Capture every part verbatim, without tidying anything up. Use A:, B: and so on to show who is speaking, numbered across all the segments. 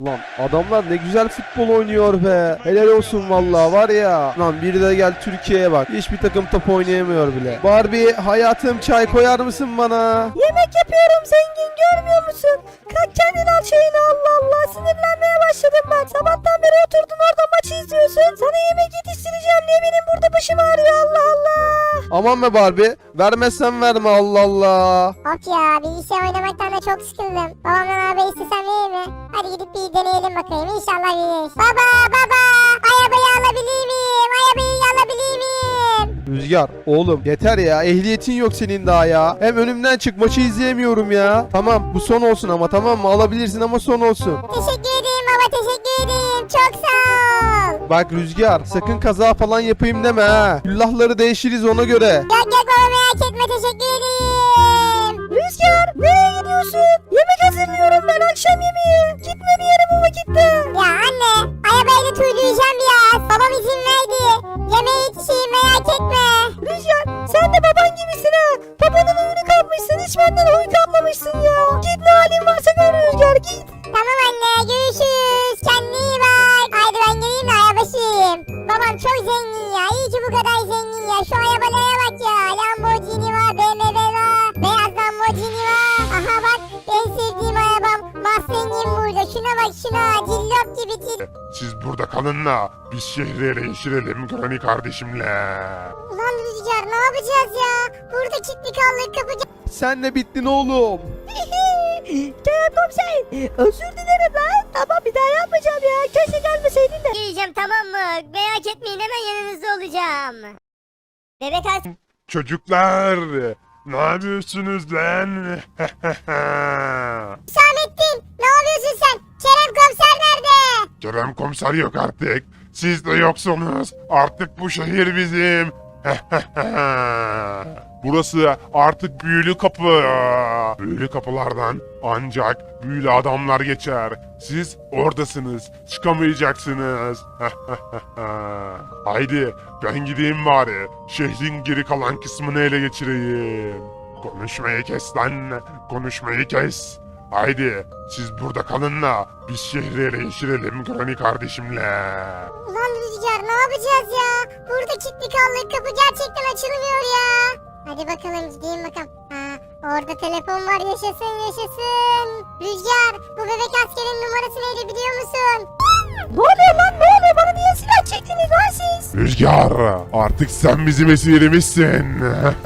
A: Lan adamlar ne güzel futbol oynuyor be. Helal olsun vallahi var ya. Lan biri de gel Türkiye'ye bak. Hiçbir takım top oynayamıyor bile. Barbie hayatım çay koyar mısın bana?
B: Yemek yapıyorum zengin, görmüyor musun? Kalk kendin al çayını, Allah Allah, sinirlenmeye başladım ben. Sabahtan beri oturdun orada maçı izliyorsun. Sana yemek yetiştireceğim diye benim burada başım ağrıyor, Allah Allah.
A: Aman be Barbie. Vermezsen verme Allah Allah.
C: Of ya, bilgisayar oynamaktan da çok sıkıldım. Babamdan arabayı istesem verir mi? Hadi gidip bir deneyelim bakayım, İnşallah veririz. Baba baba, arabayı alabilir miyim? Arabayı alabilir miyim?
A: Rüzgar oğlum yeter ya, ehliyetin yok senin daha ya. Hem önümden çık, maçı izleyemiyorum ya. Tamam bu son olsun ama, tamam mı? Alabilirsin ama son olsun.
C: Teşekkür ederim baba, teşekkür ederim. Çok sağ ol.
A: Bak Rüzgar sakın kaza falan yapayım deme ha. Küllahları değişiriz ona göre.
C: Yok yok baba, merak etme, teşekkür ederim.
B: Rüzgar, nereye gidiyorsun? Yemek hazırlıyorum ben, akşam yemeği. Gitme bir yere bu vakitte.
C: Ya anne, arabayı da tüyleyeceğim biraz. Babam izin verdi. Yemeğe yetişeyim, merak etme.
B: Rüzgar, sen de baban gibisin ha. Babanın oyunu kapmışsın, hiç benden oy kapmamışsın ya. Git, ne halin varsa gör Rüzgar, git.
C: Tamam anne, görüşürüz. Kendine iyi bak. Haydi ben geleyim de arabaşıyım. Babam çok zengin ya. İyi ki bu kadar zengin ya. Şu arabalara bak ya. Lamborghini var, B M W var. Beyaz Lamborghini var. Aha bak, en sevdiğim arabam. Mustang'im burada. Şuna bak şuna. Cillop gibi cillop.
D: Siz burada kalın da biz şehri ele geçirelim Granny kardeşimle.
C: Ulan Rüzgar, ne yapacağız ya? Burada kilitli kaldık, kapıcı.
A: Sen de bittin oğlum.
B: Kerem komiser, özür dilerim lan. Tamam, bir daha yapmayacağım ya. Keşke gelmeseydin de.
C: Geleceğim, tamam mı? Merak etmeyin, hemen yanınızda olacağım. Bebek as...
D: Çocuklar ne yapıyorsunuz lan?
C: Hüsamettin, ne yapıyorsun sen? Kerem komiser nerede?
D: Kerem komiser yok artık. Siz de yoksunuz. Artık bu şehir bizim. Burası artık büyülü kapı. Büyülü kapılardan ancak büyülü adamlar geçer. Siz oradasınız. Çıkamayacaksınız. Haydi ben gideyim bari. Şehrin geri kalan kısmını ele geçireyim. Konuşmayı kes lan. Konuşmayı kes. Haydi siz burada kalın da biz şehri ele geçirelim Granny kardeşimle.
C: Ulan Rüzgar, ne yapacağız ya? Burada kilitli kaldık, kapı gerçekten açılmıyor ya. Hadi bakalım, gideyim bakalım. Ha, orada telefon var, yaşasın yaşasın. Rüzgar, bu bebek askerin numarası neydi biliyor musun?
B: Ne oluyor lan, ne oluyor? Bana niye silah çektiniz lan siz?
D: Rüzgar artık sen bizim esirimizsin.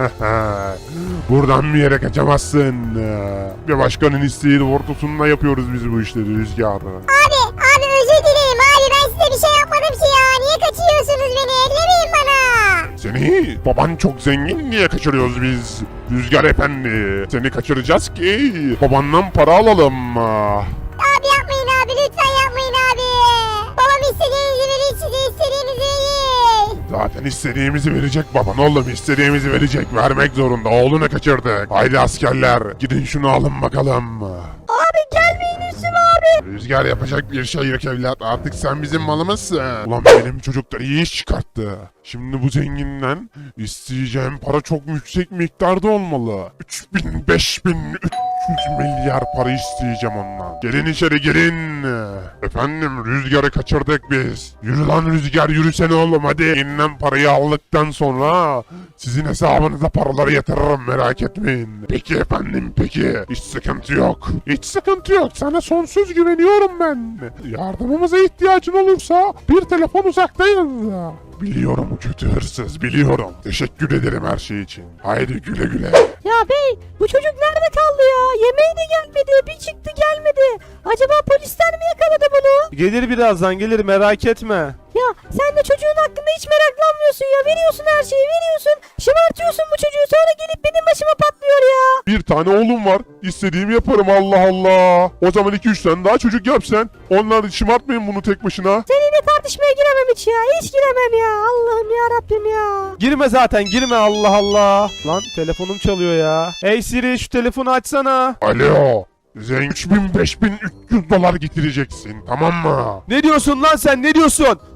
D: Buradan bir yere kaçamazsın. Bir başkanın isteği doğrultusunda yapıyoruz biz bu işleri Rüzgar.
C: Abi, abi özür dilerim abi, ben size bir şey yapmadım ki ya. Niye kaçırıyorsunuz beni? Ellemeyin bana.
D: Seni baban çok zengin diye kaçırıyoruz biz. Rüzgar efendi. Seni kaçıracağız ki babandan para alalım.
C: Abi yapmayın abi, lütfen yapmayın abi. Babam istediğinizi verir, size istediğinizi verir.
D: Zaten istediğimizi verecek baban oğlum, istediğimizi verecek, vermek zorunda, oğlunu kaçırdık. Haydi askerler gidin şunu alın bakalım.
B: Abi gelmeyin üstüme abi.
D: Rüzgar yapacak bir şey yok evlat, artık sen bizim malımızsın. Ulan benim çocuklar iyi iş çıkarttı. Şimdi bu zenginden isteyeceğim para çok yüksek miktarda olmalı. üç bin, beş bin, üç yüz milyar para isteyeceğim ondan. Gelin içeri gelin. Efendim Rüzgar'ı kaçırdık biz. Yürü lan Rüzgar, yürüsene oğlum hadi. İnden parayı aldıktan sonra sizin hesabınıza paraları yatırırım, merak etmeyin. Peki efendim peki. Hiç sıkıntı yok. Hiç sıkıntı yok. Sana sonsuz güveniyorum ben. Yardımımıza ihtiyacın olursa bir telefon uzaktayız. Biliyorum kötü hırsız, biliyorum. Teşekkür ederim her şey için. Haydi güle güle.
B: Ya bey, bu çocuk nerede kaldı ya? Yemeği de gelmedi, bir çıktı gelmedi. Acaba polisler mi yakaladı bunu?
A: Gelir birazdan, gelir, merak etme.
B: Ya sen de çocuğun hakkında hiç meraklanmıyorsun ya. Veriyorsun her şeyi, veriyorsun. Şımartıyorsun bu çocuğu, sonra gelip benim başıma patlıyor ya.
D: Bir tane oğlum var. İstediğimi yaparım, Allah Allah. O zaman iki üç tane daha çocuk yap sen. Onlar şımartmayın bunu tek başına.
B: Seninle tartışmaya giremem hiç ya. Hiç giremem ya. Allah'ım ya Rabbim ya.
A: Girme zaten, girme, Allah Allah. Lan telefonum çalıyor ya. Hey Siri, şu telefonu açsana.
D: Alo. Zengin üç bin beş bin üç yüz dolar getireceksin, tamam mı?
A: Ne diyorsun lan sen, ne diyorsun?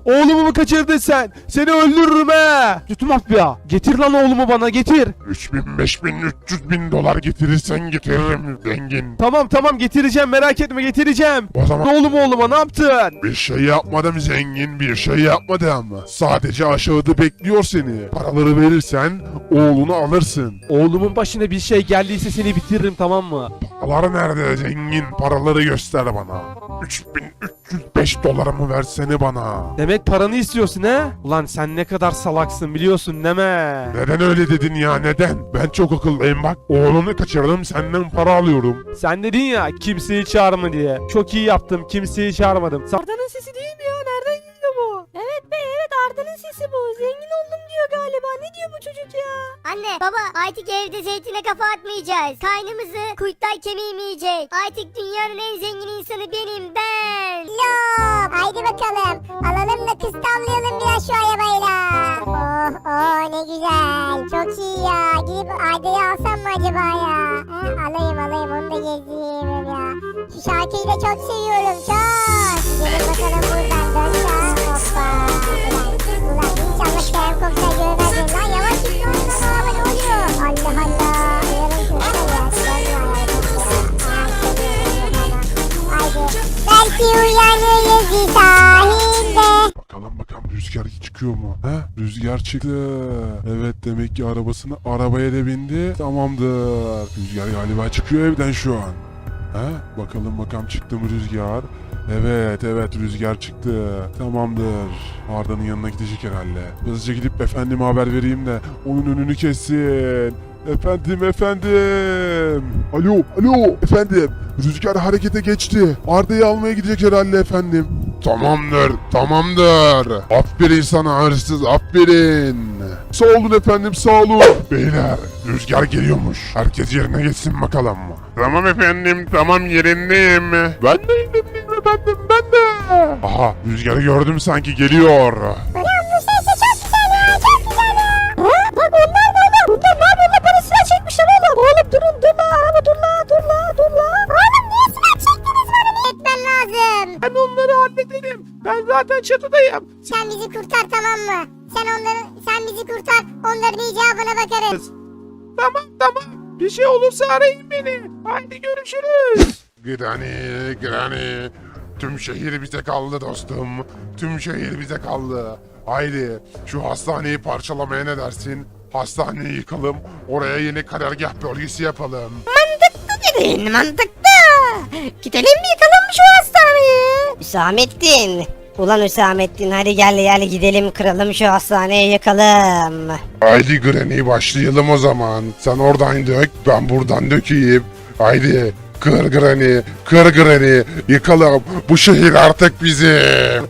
A: Oğlumu mu kaçırdın sen? Seni öldürürüm he. Kötü mafya. Getir lan oğlumu bana getir.
D: üç bin, beş bin, üç yüz bin dolar getirirsen getiririm zengin.
A: Tamam tamam getireceğim merak etme getireceğim.
D: O zaman
A: Oğlumu oğluma ne yaptın?
D: bir şey yapmadım zengin, bir şey yapmadım. Sadece aşağıda bekliyor seni. Paraları verirsen oğlunu alırsın.
A: Oğlumun başına bir şey geldiyse seni bitiririm tamam mı?
D: Paralar nerede zengin? Paraları göster bana. üç bin üç yüz beş dolarımı versene bana.
A: Demek paranı istiyorsun he? Ulan sen ne kadar salaksın biliyorsun deme.
D: Neden öyle dedin ya, neden? Ben çok akıllıyım bak. Oğlunu kaçırdım, senden para alıyorum.
A: Sen dedin ya kimseyi çağırma diye. Çok iyi yaptım kimseyi çağırmadım. Sa-
B: Arda'nın sesi değil mi ya? Nereden geliyor bu? Evet be evet Arda'nın sesi bu. Zengin oldum diyor galiba. Ne diyor bu çocuk ya?
C: Anne baba artık evde zeytine kafa atmayacağız. Kaynımızı kurtlar kemiğimeyecek. Artık dünyanın en zengin insanı benim ben. Lop. Haydi bakalım. Alalım da kız tavlayalım biraz şu arabayla. Oh oh ne güzel. Çok iyi ya. Gidip Ayda'yı alsam mı acaba ya? Ha, alayım alayım onu da gezdireyim ya. Şu şarkıyı da çok seviyorum çok. Gidelim bakalım buradan dön sağa. Hoppa. Ulan, ulan inşallah Kerem Komiser görmez beni lan. Yavaş git lan lan araba ne oluyor? Allah Allah. Yarın şurada ya. Görmüyor ya. Haydi. Belki uyanırız bir sahilde.
D: Bakalım bakalım rüzgar çıkıyor mu? He? Rüzgar çıktı. Evet demek ki arabasını arabaya da bindi. Tamamdır. Rüzgar galiba çıkıyor evden şu an. He? Bakalım bakalım çıktı mı rüzgar? Evet evet rüzgar çıktı. Tamamdır. Arda'nın yanına gidecek herhalde. Hızlıca gidip efendime haber vereyim de onun önünü kessin. Efendim efendim. Alo alo efendim. Rüzgar harekete geçti. Arda'yı almaya gidecek herhalde efendim. Tamamdır tamamdır. Aferin sana hırsız aferin. Sağ olun efendim sağ olun. Beyler rüzgar geliyormuş. Herkes yerine geçsin bakalım. Tamam efendim tamam yerindeyim. Ben de yerindeyim efendim ben de. Aha rüzgarı gördüm sanki geliyor.
C: Ulan bu sesi çok güzel ya çok güzel ya.
B: Ha? Bak onlar mı oğlum? Bunlar ne yapıyorlar? Bana silah çekmişler oğlum. Oğlum durun dur la araba dur la dur la dur la.
C: Oğlum niye silah çektiniz bana ne etmen lazım?
A: Ben onları hallederim. Ben zaten çatıdayım.
C: Sen bizi kurtar tamam mı? Sen onları sen bizi kurtar onların icabına bakarız.
A: Tamam tamam. Bir şey olursa arayın beni. Haydi görüşürüz.
D: Granny, Granny. Tüm şehir bize kaldı dostum. Tüm şehir bize kaldı. Haydi şu hastaneyi parçalamaya ne dersin? Hastaneyi yıkalım. Oraya yeni karargah bölgesi yapalım.
B: Mantıklı dedin mantıklı. Gidelim mi yıkalım şu hastaneyi?
E: Hüsamettin. Ulan Hüsamettin hadi gel gel gidelim kıralım şu hastaneyi yakalım.
D: Haydi Granny başlayalım o zaman. Sen oradan dök, ben buradan dökeyim. Haydi kır Granny, kır Granny. Yıkalım. Bu şehir artık bizim.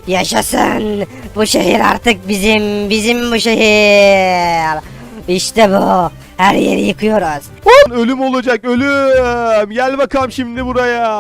E: Yaşasın. Bu şehir artık bizim, bizim bu şehir. İşte bu. Her yeri yıkıyoruz.
A: Ölüm olacak ölüm. Gel bakalım şimdi buraya.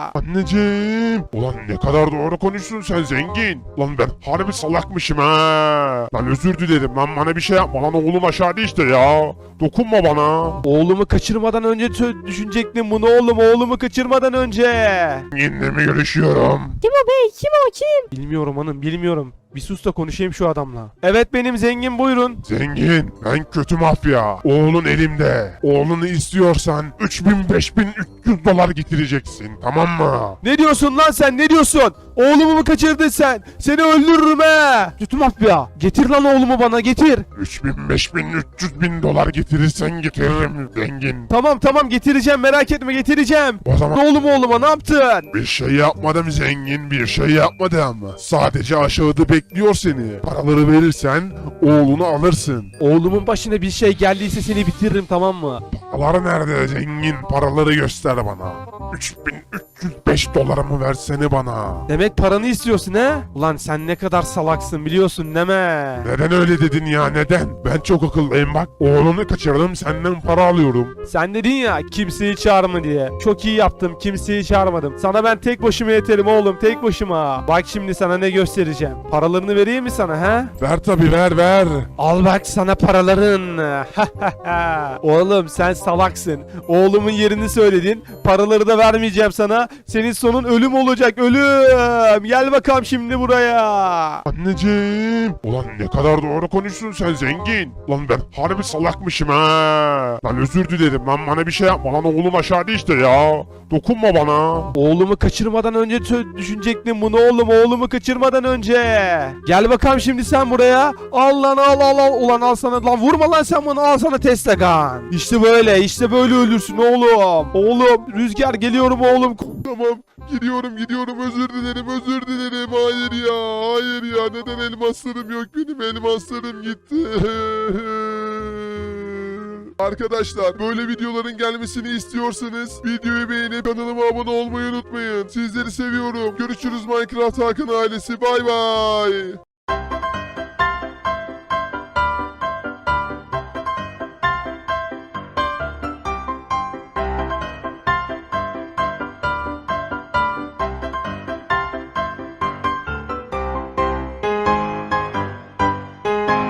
D: Anneciğim. Ulan ne kadar doğru konuştun sen zengin. Lan ben harbi salakmışım ha. Lan özür dilerim lan bana bir şey yapma lan oğlum aşağıda işte ya. Dokunma bana.
A: Oğlumu kaçırmadan önce tö- düşünecektim bunu oğlum. Oğlumu kaçırmadan önce.
D: Yenile mi görüşüyorum?
B: Kim o bey kim o kim?
A: Bilmiyorum hanım bilmiyorum. Bir sus da konuşayım şu adamla. Evet benim zengin buyurun.
D: Zengin, ben kötü mafya. Oğlun elimde. Oğlunu istiyorsan üç bin beş bin üç yüz dolar getireceksin, tamam mı?
A: Ne diyorsun lan sen ne diyorsun? Oğlumu mu kaçırdın sen? Seni öldürürüm he. Kötü mafya. Getir lan oğlumu bana getir.
D: üç bin beş bin üç yüz bin dolar getirirsen getiririm zengin.
A: Tamam tamam getireceğim merak etme getireceğim.
D: O zaman
A: Oğlumu oğluma ne yaptın?
D: bir şey yapmadım zengin, bir şey yapmadım. Sadece aşağıda bekliyor seni. Paraları verirsen oğlunu alırsın.
A: Oğlumun başına bir şey geldiyse seni bitiririm tamam mı?
D: Paralar nerede zengin? Paraları göster bana. üç bin üç yüz beş dolarımı versene bana.
A: Demek paranı istiyorsun he? Ulan sen ne kadar salaksın biliyorsun deme.
D: Neden öyle dedin ya neden? Ben çok akıllıyım bak. Oğlunu kaçırdım senden para alıyorum.
A: Sen dedin ya kimseyi çağırma diye. Çok iyi yaptım kimseyi çağırmadım. Sana ben tek başıma yeterim oğlum tek başıma. Bak şimdi sana ne göstereceğim. Paralarını vereyim mi sana he?
D: Ver tabi ver ver.
A: Al bak sana paraların. Oğlum sen salaksın. Oğlumun yerini söyledin. Paraları da vermeyeceğim sana. senin sonun ölüm olacak, ölüm. Gel bakalım şimdi buraya.
D: Anneciğim. Ulan ne kadar doğru konuşsun sen zengin. Lan ben harbi salakmışım ha. Lan özür dilerim lan, bana bir şey yapma lan, oğlum aşağıda işte ya. Dokunma bana.
A: Oğlumu kaçırmadan önce tö- düşünecektim bunu oğlum, oğlumu kaçırmadan önce. Gel bakalım şimdi sen buraya. Al lan al al al. Ulan al sana lan, vurma lan sen bana, al sana Tesla gun. İşte böyle işte böyle ölürsün oğlum. Oğlum Rüzgar geliyorum oğlum.
D: Tamam gidiyorum gidiyorum, özür dilerim özür dilerim. Hayır ya hayır ya, neden elmaslarım yok benim, elmaslarım gitti. Arkadaşlar böyle videoların gelmesini istiyorsanız videoyu beğenip kanalıma abone olmayı unutmayın. Sizleri seviyorum. Görüşürüz Minecraft Hakan ailesi. Bay bay.